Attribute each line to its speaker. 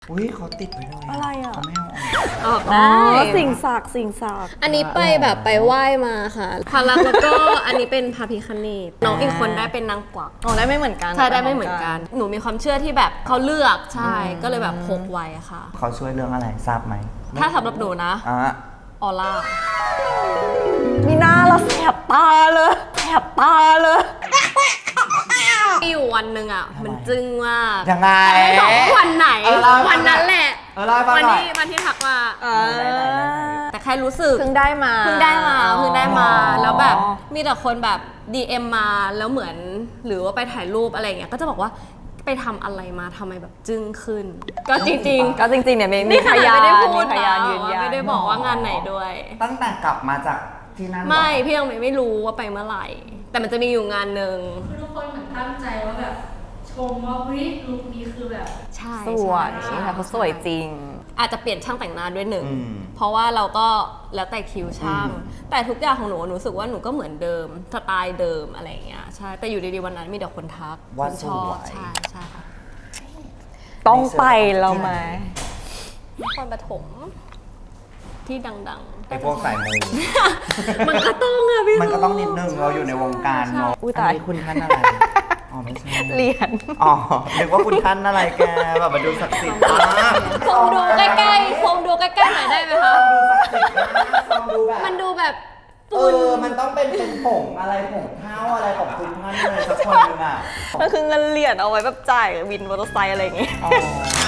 Speaker 1: อุ้ยเขาติดไว้เลย
Speaker 2: อะไรอ่ะ
Speaker 1: เขาไม่เอาออก
Speaker 3: ออกได้
Speaker 2: สิ่งศักดิ์
Speaker 3: อันนี้ไปแบบไปไหว้มาค่ะพารักแล้วก็อันนี้เป็นพระพิฆเนศน้องอีกคนได้เป็นนางกวัก
Speaker 2: อ๋อได้ไม่เหมือนกัน
Speaker 3: ใช่ได้ไม่เหมือนกัน หนูมีความเชื่อที่แบบเขาเลือกใช่ก็เลยแบบพกไว้ค่ะ
Speaker 1: เขาช่วยเรื่องอะไรทราบไหม
Speaker 3: ถ้าสำหรับหนูนะ
Speaker 1: อ่ะ
Speaker 3: ออร่า
Speaker 2: มีหน้าเราแสบตาเลยแสบตาเลย
Speaker 3: มีอยู่วันหนึ่งอ่ะมันจึ้งมาก
Speaker 1: ยังไง
Speaker 3: ไม่บอกว่าวันไหน
Speaker 1: เล่าให้ฟัง
Speaker 3: วันนั้นแหละ
Speaker 1: เล่าให้ฟัง
Speaker 3: วัน
Speaker 1: หน่อย
Speaker 3: ที่ทักมา
Speaker 1: ไหน
Speaker 3: แต่แค่รู้สึก
Speaker 2: เพิ่งได้มา
Speaker 3: เพิ่งได้มา
Speaker 2: อ๋อ
Speaker 3: แล้วแบบมีแต่คนแบบ DM มาแล้วเหมือนหรือว่าไปถ่ายรูปอะไรอย่างเงี้ยก็จะบอกว่าไปทำอะไรมาทำไมแบบจึ้งขึ้น ก็จริง
Speaker 2: ก็จริงๆเนี่ย
Speaker 3: ๆ
Speaker 2: มีพยาน
Speaker 3: ไม่ได้พูด
Speaker 2: มีพยาน
Speaker 3: นะ
Speaker 2: ยืนยัน
Speaker 3: ไม่ได้บอกว่างานไหนด้วย
Speaker 1: ตั้งแต่กลับมาจากที่นั่น
Speaker 3: ไม่พี่ยังไม่รู้ว่าไปเมื่อไหร่ แต่มันจะมีอยู่งานหนึ่ง
Speaker 4: คือทุกคนเหมือนตั้งใจว่าแบบชมว่าเฮ้ยลุคนี้คือแบบ
Speaker 3: ใช่
Speaker 2: สวย
Speaker 3: ใช่
Speaker 2: ค่ะเขาสวยจริง
Speaker 3: อาจจะเปลี่ยนช่างแต่งหน้าด้วยหนึ่ง
Speaker 1: อืม
Speaker 3: เพราะว่าเราก็แล้วแต่คิวช่าง
Speaker 1: อืม
Speaker 3: แต่ทุกอย่างของหนูรู้สึกว่าหนูก็เหมือนเดิมสไตล์เดิมอะไรอย่างเงี้ยใช่แต่อยู่ดีๆวันนั้นมีแต่คนทัก
Speaker 1: ว่า
Speaker 3: คน
Speaker 1: ส
Speaker 3: ชอบ
Speaker 1: วย
Speaker 3: ใช่ใช่ค่ะ
Speaker 2: ต้องไปเราไหม
Speaker 3: นครปฐมที่ดังๆ
Speaker 1: ไอพวกสายมู
Speaker 3: มันก็ต้องอะพี่
Speaker 1: มันก็ต้องนิดนึงเราอยู่ในวงการเนาะ
Speaker 2: อุ๊ยตาย
Speaker 1: นนี้คุณท่านอะไรอ๋อไม่ใช่
Speaker 2: เหรียญ
Speaker 1: อ๋อนึกว่าคุณท่านอะไรแกแบบมาดูศักดิ์สิทธิ์มาก
Speaker 3: ซูมดูใกล้ๆซูมดูใกล้ๆหน่อยได้ไหมคะ
Speaker 1: ดูศักดิ์สิทธิ์มากลองดูแบบ
Speaker 3: มันดูแบบ
Speaker 1: มันต้องเป็นผงอะไรผงเท้าอะไรของคุณท่านเลยสักคนหนึงอ่ะ
Speaker 2: ก็คือเงินเหรียญเอาไว้แบบจ่ายวินมอเตอร์ไซค์อะไรอย่างเงี้ย
Speaker 1: อ๋อ